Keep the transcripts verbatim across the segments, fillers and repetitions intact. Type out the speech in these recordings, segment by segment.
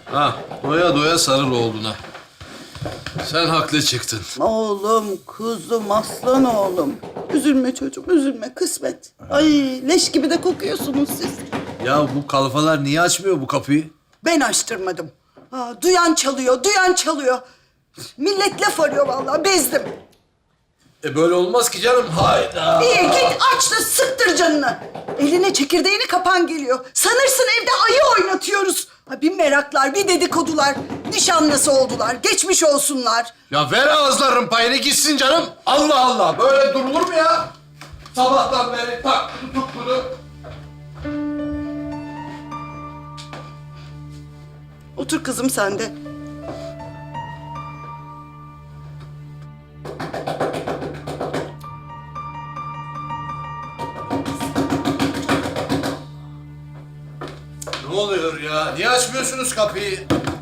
Ha, doya doya sarıl oğluna. Sen haklı çıktın. Oğlum, kuzum, aslan oğlum. Üzülme çocuğum, üzülme. Kısmet. Ay leş gibi de kokuyorsunuz siz. Ya bu kalfalar niye açmıyor bu kapıyı? Ben açtırmadım. Ha, duyan çalıyor, duyan çalıyor. Millet laf arıyor vallahi, bezdim. E böyle olmaz ki canım. Hayda. İyi git aç da sıktır canını. Eline çekirdeğini kapan geliyor. Sanırsın evde ayı oynatıyoruz. Ha, bir meraklar, bir dedikodular. Nişanlısı oldular, geçmiş olsunlar. Ya ver ağızların payını gitsin canım. Allah Allah. Böyle durulur mu ya? Sabahtan beri tak tutup bunu. Otur kızım sen de. Ne oluyor ya? Niye açmıyorsunuz kapıyı?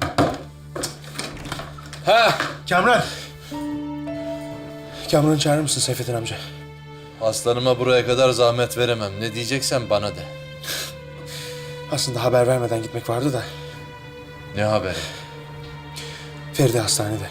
Ha, Kamran. Kamran'ı çağırır mısın Seyfettin amca? aslanıma buraya kadar zahmet veremem. Ne diyeceksen bana de. Aslında haber vermeden gitmek vardı da. Ne haberi? Feride hastanede.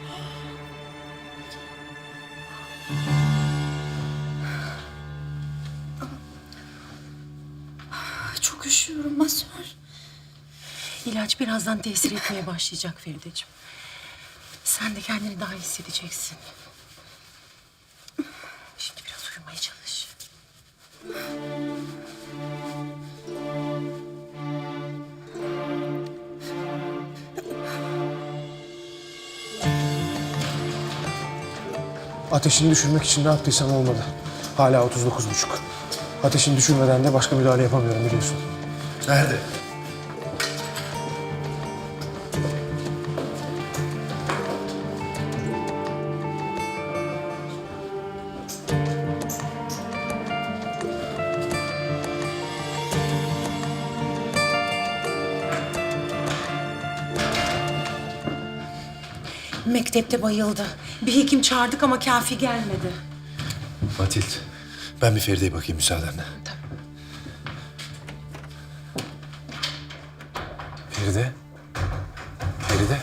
Çok üşüyorum masör. İlaç birazdan tesir etmeye başlayacak Ferideciğim. Sen de kendini daha iyi hissedeceksin. Şimdi biraz uyumaya çalış. Ateşini düşürmek için ne yaptıysam olmadı. Hala otuz dokuz buçuk. Ateşini düşürmeden de başka müdahale yapamıyorum biliyorsun. Nerede? Mektepte bayıldı. Bir hekim çağırdık ama kafi gelmedi. Matild, ben bir Feride'ye bakayım müsaadenle. Feride? Feride?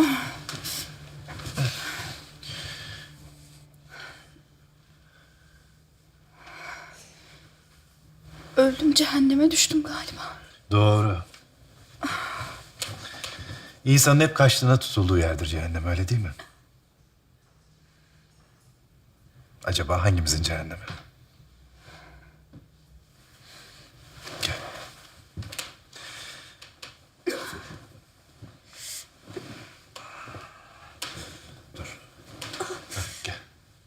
Öldüm, cehenneme düştüm galiba. Doğru. İnsanın hep kaçtığına tutulduğu yerdir cehennem, öyle değil mi? Acaba hangimizin cehennemi? Gel. Dur. Heh, gel.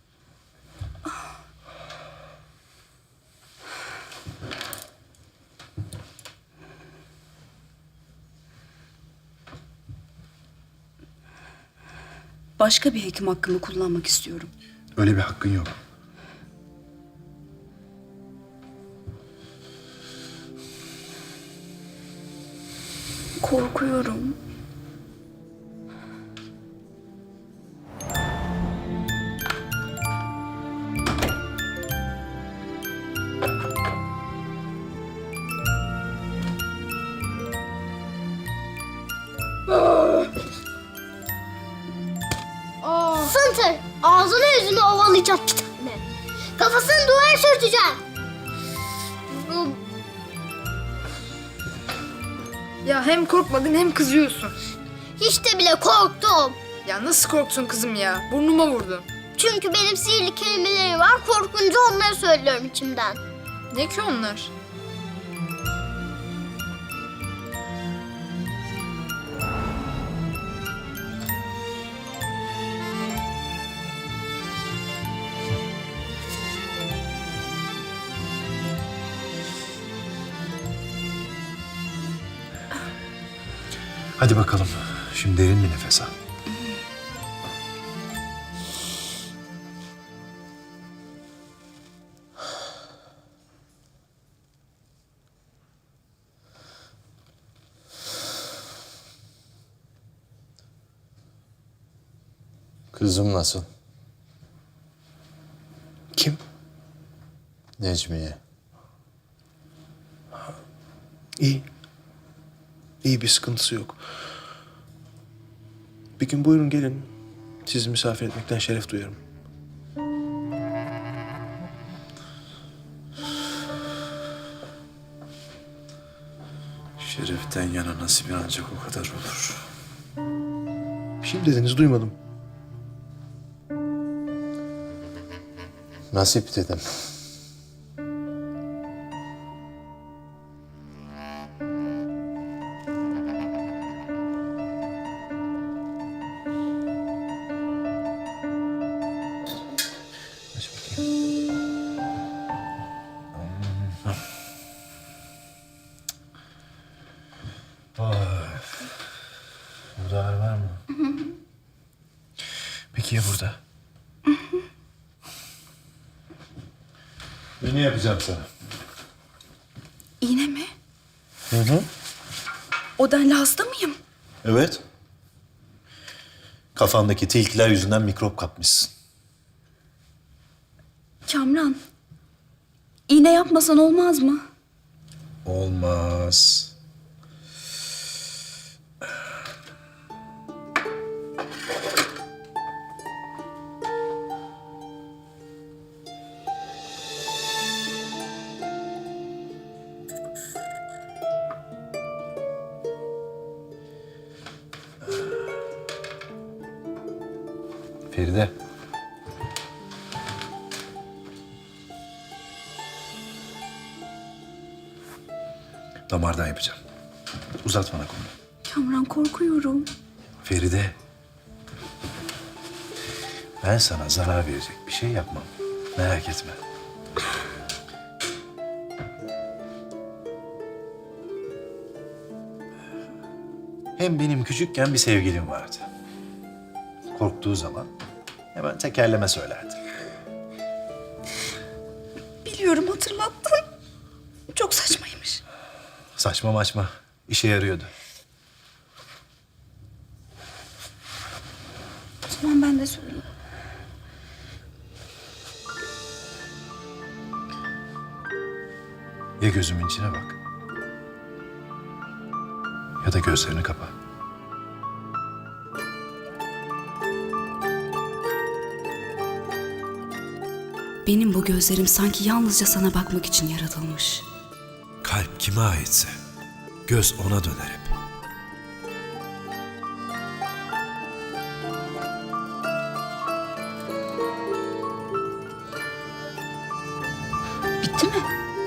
Başka bir hekim hakkımı kullanmak istiyorum. Öyle bir hakkın yok. Korkuyorum. Sıntır. Ağzını yüzünü ovalayacağım bir tane. Kafasını duvara sürteceğim. Ya hem korkmadın hem kızıyorsun. Hiç de bile korktum. Ya nasıl korktun kızım ya? Burnuma vurdun. Çünkü benim sihirli kelimelerim var. Korkunca onları söylüyorum içimden. Ne ki onlar? Hadi bakalım. Şimdi derin bir nefes al. Kızım nasıl? Kim? Necmiye. İyi. İyi, bir sıkıntısı yok. Bir gün buyurun gelin. Sizi misafir etmekten şeref duyarım. Şereften yana nasibin ancak o kadar olur. Bir şey mi dediniz duymadım. Nasip dedim. Aç bakayım. Vay. Burada ağrı var mı? Peki ya burada? Ne yapacağım sana? İğne mi? Hı hı. O denli hasta mıyım? Evet. Kafandaki tilkiler yüzünden mikrop kapmışsın. Kamran. İğne yapmasan olmaz mı? Olmaz. Feride. Damardan yapacağım. Uzat bana kolunu. Kamran korkuyorum. Feride. Ben sana zarar verecek bir şey yapmam. Merak etme. Hem benim küçükken bir sevgilim vardı. Korktuğu zaman hemen tekerleme söylerdi. Biliyorum, hatırlattın. Çok saçmaymış. Saçma maçma. İşe yarıyordu. O zaman ben de söyleyeyim. Ya gözümün içine bak. Ya da gözlerini kapa. Benim bu gözlerim sanki yalnızca sana bakmak için yaratılmış. Kalp kime aitse göz ona döner hep. Bitti mi?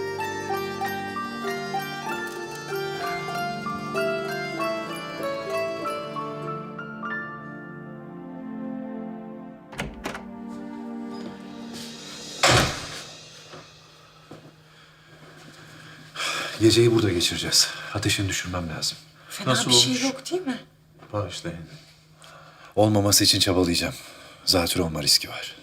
Geceyi burada geçireceğiz. Ateşini düşürmem lazım. Fena Nasıl bir şey olmuş? yok değil mi? Bağışlayın. Olmaması için çabalayacağım. Zatürre olma riski var.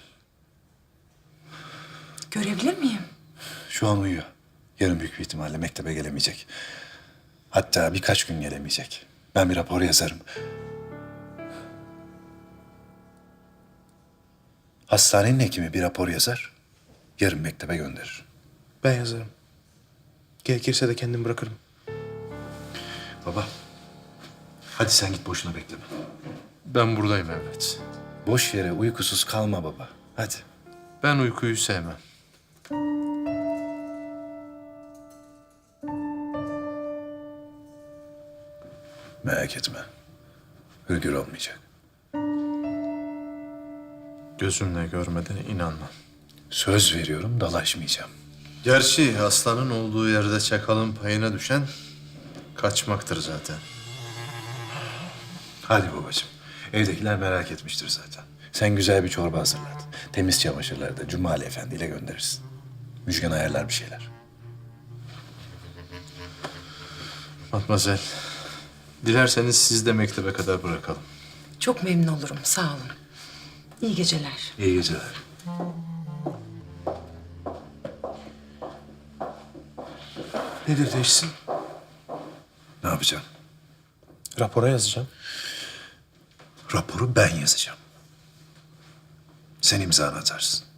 Görebilir miyim? Şu an uyuyor. Yarın büyük bir ihtimalle mektebe gelemeyecek. Hatta birkaç gün gelemeyecek. Ben bir rapor yazarım. Hastanenin hekimi bir rapor yazar. Yarın mektebe gönderir. Ben yazarım. Gerekirse de kendim bırakırım. Baba, hadi sen git boşuna bekleme. Ben buradayım Mehmet. Boş yere uykusuz kalma baba. Hadi. Ben uykuyu sevmem. Merak etme. Hürgür olmayacak. Gözümle görmeden inanmam. Söz veriyorum dalaşmayacağım. Gerçi aslanın olduğu yerde çakalın payına düşen kaçmaktır zaten. Hadi babacığım. Evdekiler merak etmiştir zaten. Sen güzel bir çorba hazırlat. Temiz çamaşırları da Cumali Efendi ile gönderirsin. Müjgan ayarlar bir şeyler. Matmazel, dilerseniz siz de mektebe kadar bırakalım. Çok memnun olurum. Sağ olun. İyi geceler. İyi geceler. Nedir teşhisin? Ne yapacağım? Rapora yazacağım. Raporu ben yazacağım. Sen imzanı atarsın.